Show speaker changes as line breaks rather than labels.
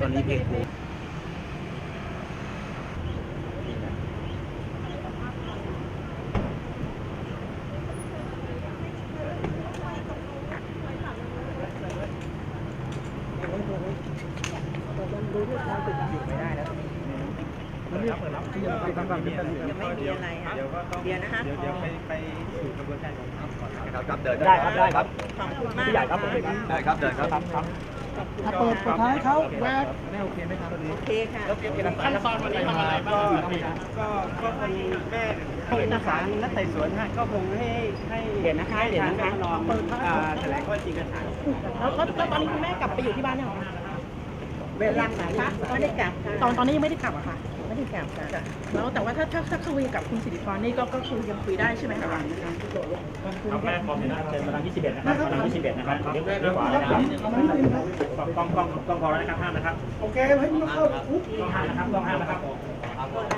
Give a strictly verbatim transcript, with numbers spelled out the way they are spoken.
อนนี้เพลงครูอยู่ไม่ได้แล้วยังไม่มีอะไรค่ะเดี๋ยวนะคะเดี๋ยวไปไปสู่กระบวนการของทางก่อนครับครับเดินได้ครับได้ครับขอบคุณมากใหญ่ครับผมได้ครับเดินครับครับ
ถ้าเปิดสุดท้ายเขาแวก
ไม่โอเคไหมครับ
โอเคค่ะ
ขั้นตอนวันนี้ทำอะไรบ้าง
ก็ก็คงแม่เอกสารนัดไต่สวนฮะก็คงให้ให้เห็นนะคะเห็นนะคะลองแถลงข้อจริงกันฐาน
แล้วแล้วตอนนี้คุณแม่กลับไปอยู่ที่บ้านยังคะ
เวลาไหนคะไม่ได้กลับค่ะ
ตอนตอนนี้ยังไม่ได้กลับอะค่ะ
ไม่ได้กลับค่ะ
แล้วแต่ว่าถ้าถ้าถ้าคุยกับคุณสิริพรนี่ก็ก็คือยังคุยได้ใช่ไหมคะ
ครับแม่พร้อมนะเชิญมาทางยี่สิบเอ็ดนะครับมาทางยี่สิบเอ็ดนะครับเลี้ยวเลี้ยวขวานะครับกล้องกล้องกล้องพอแล้วนะครับห้ามนะครับ
โอเคให้มันเข้า
กล้องห้ามนะครับกล้องห้ามนะครับ